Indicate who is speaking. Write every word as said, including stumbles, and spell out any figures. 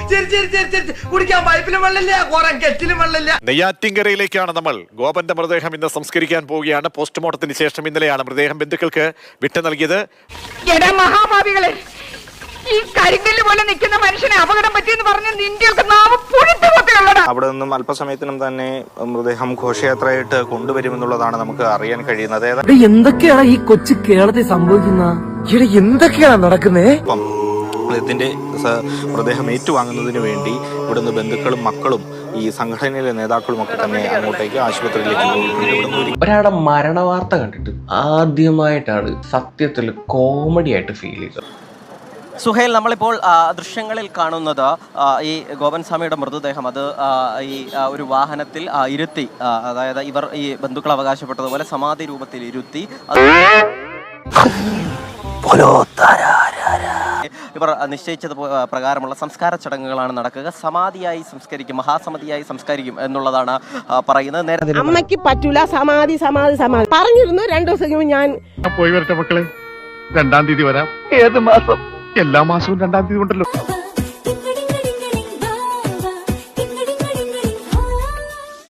Speaker 1: കുടിക്കാൻ പൈപ്പിലും വെള്ളമില്ല, കുറെ കെറ്റിലും വെള്ളമില്ല.
Speaker 2: നെയ്യാറ്റിൻകരയിലേക്കാണ് നമ്മൾ. ഗോപന്റെ മൃതദേഹം ഇന്ന് സംസ്കരിക്കാൻ പോവുകയാണ്. പോസ്റ്റ്മോർട്ടത്തിന് ശേഷം ഇന്നലെയാണ് മൃതദേഹം ബന്ധുക്കൾക്ക് വിട്ടു നൽകിയത്.
Speaker 3: മഹാഭാവികളെ, ഈ കരിങ്കല്ല് പോലെ നിൽക്കുന്ന മനുഷ്യനെ അപകടം പറ്റിയെന്ന് പറഞ്ഞ് നിന്റെയൊക്കെ നാവ് പുഴുത്തുകൊണ്ടുള്ളതാ.
Speaker 4: അവിടെ നിന്നും അല്പസമയത്തിനും തന്നെ മൃതദേഹം ഘോഷയാത്രയായിട്ട് കൊണ്ടുവരുമെന്നുള്ളതാണ് നമുക്ക് അറിയാൻ കഴിയുന്നത്.
Speaker 5: എന്തൊക്കെയാണ് ഈ കൊച്ചു കേരളത്തിൽ സംഭവിക്കുന്നത്? എന്തൊക്കെയാണ് നടക്കുന്നേ?
Speaker 4: ഇതിന്റെ മൃതദേഹം ഏറ്റുവാങ്ങുന്നതിന് വേണ്ടി ഇവിടുന്ന് ബന്ധുക്കളും മക്കളും ഈ സംഘടനയിലെ നേതാക്കളും ഒക്കെ തന്നെ അങ്ങോട്ടേക്ക് ആശുപത്രിയിലേക്ക് പോയിട്ടുണ്ട്.
Speaker 6: ഒരാളുടെ മരണവാർത്ത കണ്ടിട്ട് ആദ്യമായിട്ടാണ് സത്യത്തിൽ കോമഡി ആയിട്ട് ഫീൽ ചെയ്തത്.
Speaker 7: സുഹേൽ, നമ്മളിപ്പോൾ ദൃശ്യങ്ങളിൽ കാണുന്നത് ഈ ഗോപൻ സ്വാമിയുടെ മൃതദേഹം അത് ഈ ഒരു വാഹനത്തിൽ ഇരുത്തി, അതായത് ഇവർ ഈ ബന്ധുക്കൾ അവകാശപ്പെട്ടതുപോലെ സമാധി രൂപത്തിൽ ഇരുത്തി ഇവർ നിശ്ചയിച്ചത് പ്രകാരമുള്ള സംസ്കാര ചടങ്ങുകളാണ് നടക്കുക. സമാധിയായി സംസ്കരിക്കും, മഹാസമാധിയായി സംസ്കരിക്കും എന്നുള്ളതാണ് പറയുന്നത്. നേരത്തെ
Speaker 8: അമ്മയ്ക്ക് പറ്റൂല സമാധി സമാധി സമാധി പറഞ്ഞിരുന്നു. രണ്ടു ദിവസം ഞാൻ
Speaker 9: പോയി വരട്ടെ മക്കളെ, രണ്ടാം തീയതി വരാം. ഏത് മാസം? എല്ലാ മാസവും രണ്ടാം തീയതി ഉണ്ടല്ലോ.